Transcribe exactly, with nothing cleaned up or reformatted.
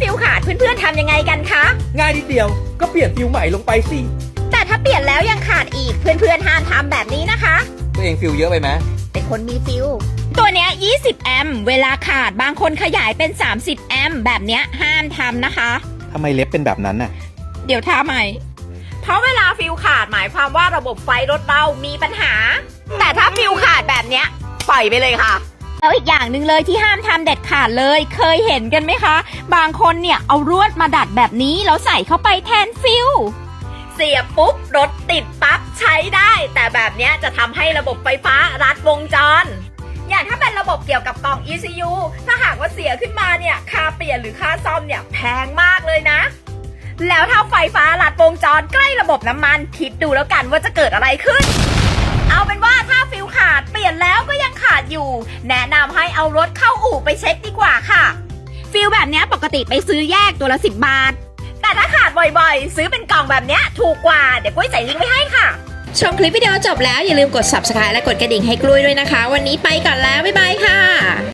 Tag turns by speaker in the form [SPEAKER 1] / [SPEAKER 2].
[SPEAKER 1] ฟิลขาดเพื่อนๆทำยังไงกันคะ
[SPEAKER 2] ง่ายนิดเดียวก็เปลี่ยนฟิลใหม่ลงไปสิ
[SPEAKER 1] แต่ถ้าเปลี่ยนแล้วยังขาดอีกเพื่อนๆห้ามทำแบบนี้นะคะ
[SPEAKER 2] ตัวเองฟิลเยอะไปไหม
[SPEAKER 1] เป็นคนมีฟิลตัวเนี้ยยี่สิบแอมป์เวลาขาดบางคนขยายเป็นสามสิบแอมป์แบบเนี้ยห้ามทำนะคะ
[SPEAKER 2] ทำไมเล็บเป็นแบบนั้นน่ะ
[SPEAKER 1] เดี๋ยวท่าใหม่เพราะเวลาฟิลขาดหมายความว่าระบบไฟรถเรามีปัญหาแต่ถ้าฟิลขาดแบบเนี้ยปล่อยไปเลยค่ะแล้วอีกอย่างหนึ่งเลยที่ห้ามทำเด็ดขาดเลยเคยเห็นกันไหมคะบางคนเนี่ยเอาลวดมาดัดแบบนี้แล้วใส่เข้าไปแทนฟิลเสียบปุ๊บรถติดปั๊บใช้ได้แต่แบบเนี้ยจะทำให้ระบบไฟฟ้ารัดวงจรอย่างถ้าเป็นระบบเกี่ยวกับกล่อง อี ซี ยู ถ้าหากว่าเสียขึ้นมาเนี่ยค่าเปลี่ยนหรือค่าซ่อมเนี่ยแพงมากเลยนะแล้วถ้าไฟฟ้าลัดวงจรใกล้ระบบน้ำมันคิดดูแล้วกันว่าจะเกิดอะไรขึ้นเอาเป็นว่าถ้าฟิลขาดเปลี่ยนแล้วก็ยังขาดอยู่แนะนำให้เอารถเข้าอู่ไปเช็คดีกว่าค่ะฟิลแบบนี้ปกติไปซื้อแยกตัวละสิบบาทแต่ถ้าขาดบ่อยๆซื้อเป็นกล่องแบบนี้ถูกกว่าเดี๋ยวกุ้ยใส่ลิงก์ไว้ให้ค่ะ
[SPEAKER 3] ชมคลิปวิดีโอจบแล้วอย่าลืมกด ซับสไครบ์ และกดกระดิ่งให้กล้วยด้วยนะคะวันนี้ไปก่อนแล้วบ๊ายบายค่ะ